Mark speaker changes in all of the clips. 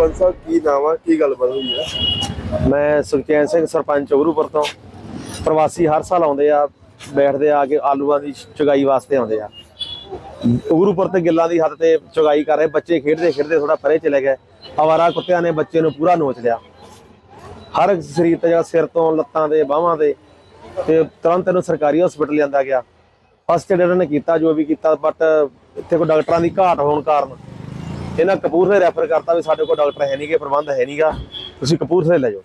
Speaker 1: सरपंच साहब की नाम है की गलबात हुई है?
Speaker 2: मैं सुखचैन सिंह सरपंच उगरूपुर तो प्रवासी हर साल आते आ बैठते आके आलूआ की चुगाई वास्ते आते आ उगरूपुर ते गिल्लां दी हद ते चुगाई कर रहे बच्चे खेडते खेडते थोड़ा परे चले गए आवारा कुत्तियां ने बच्चे नूं पूरा नोच लिया हर शरीर ते सिर तो लत्तां ते बाहां ते तुरंत इहनूं सरकारी हॉस्पिटल लिआंदा गया फस्ट एड इन्होंने किया जो भी किया बट इत्थे कोई डॉक्टरां दी घाट होने कारण इन्हें कपूरथले रैफर करता भी साडे कोल डॉक्टर है नहीं गे प्रबंध है नहीं गा तुसीं कपूरथले ले जाओ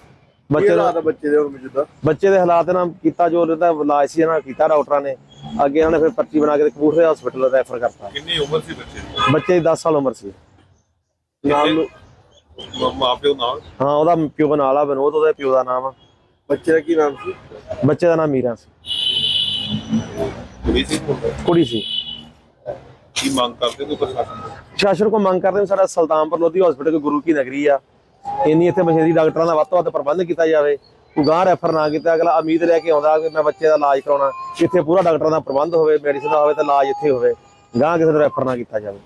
Speaker 2: बच्चे के हालात ना किया जो इलाज से ना किया डॉक्टर ने अगे इन्होंने फिर पर्ची बना के कपूरथले हॉस्पिटल रैफर करता बच्चे की 10 साल उम्र से हाँ वह प्यो का नाम विनोद वो प्यो का नाम
Speaker 1: बच्चे का की नाम सी?
Speaker 2: बच्चे का नाम मीरा सी कुड़ी सी प्रशासन को मंग करते सारा सुल्तानपुर लोधी हॉस्पिटल गुरु की नगरी आ इन्नी इतने मशीनरी डॉक्टरों का वध तो वध प्रबंध किया जाए कोई गांह रैफर ना किया अगला उम्मीद लैके आता कि मैं बच्चे का इलाज कराना इतने पूरा डॉक्टरों का प्रबंध हो मेडिसिन का हो इलाज इतने हो गांह किसी रैफर ना किया जाए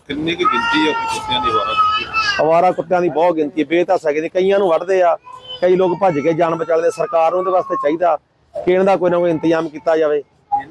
Speaker 2: अवारा कुत्तियां की बहुत गिनती बेतहस है कई वढ़ते आ कई लोग भज के जान बचाते सरकार उनके वास्ते चाहिए कि इन्हों कोई ना कोई इंतजाम किया जाए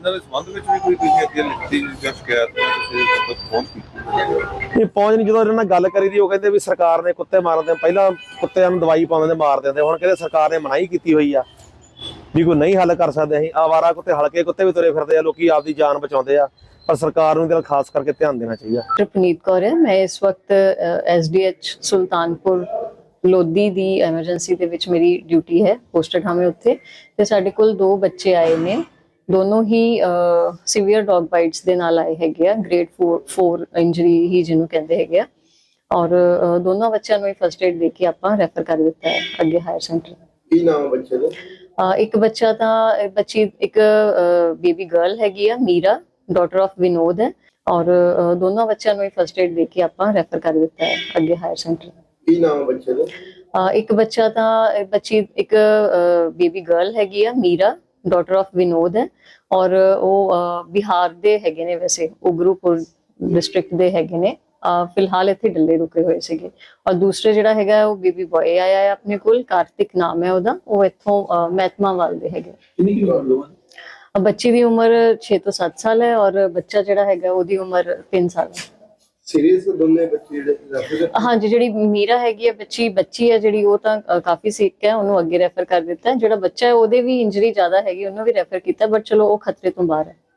Speaker 2: नहीं पहुंच नहीं जो गल करी दी कहते भी सरकार ने कुत्ते मारते पहला कुत्तियां दवाई पाते मार देंगे हुण कहते सरकार ने मनाही की हुई आ भी कोई नहीं हल कर सकते असीं आवारा कुत्ते हल्के कुत्ते भी तुरे फिरते लोग आपकी जान बचाते आ पर सरकार नूं खास करके ध्यान देना चाहिए।
Speaker 3: पुनीत कौर है मैं इस वक्त SDH सुल्तानपुर लोधी दी एमरजेंसी दे विच मेरी ड्यूटी है पोस्टेड हमें उत्थे ते साडे कोल 2 बच्चे आए ने दोनों ही सीवियर डॉग बाइट्स दे नाल आए हैगे ग्रेड 4 इंजरी ही जिन्हों कहते हैगे और दोनों बच्चों नूं फर्स्ट एड दे के आपां रैफर कर दिता है अगे हायर सेंटर।
Speaker 1: की नाम है बच्चे दा?
Speaker 3: एक बच्चा तां बच्ची एक बेबी गर्ल हैगी मीरा डॉटर ऑफ विनोद है और दोनों बच्चों नूं फर्स्ट एड दे के आपां रैफर कर दिता है अगे हायर सेंटर।
Speaker 1: की नाम है बच्चे दा?
Speaker 3: एक बच्चा तां बच्ची एक बेबी गर्ल हैगी मीरा डॉटर ऑफ विनोद है और वो बिहार दे हैगे ने वैसे उगरूपुर डिस्ट्रिक्ट दे हैगे ने फिलहाल इत्थे डल्ले रुके हुए सीगे और दूसरे जिहड़ा हैगा वो बेबी बॉय आया है अपने कोल कार्तिक नाम है ओदा वो इत्थों महतमावाल दे हैगे बच्ची दी उम्र 6 तो 7 साल है और बच्चा जिहड़ा हैगा ओदी उम्र 3 साल है।
Speaker 1: सीरियस दोनों बच्चे
Speaker 3: हाँ जी जी मीरा हैगी बच्ची है जी काफी सीक है उन्होंने अगे रैफर कर दिता है जो बच्चा है वो भी इंजरी ज्यादा हैगी उन्होंने भी रैफर किया बट चलो वो खतरे तो बाहर है।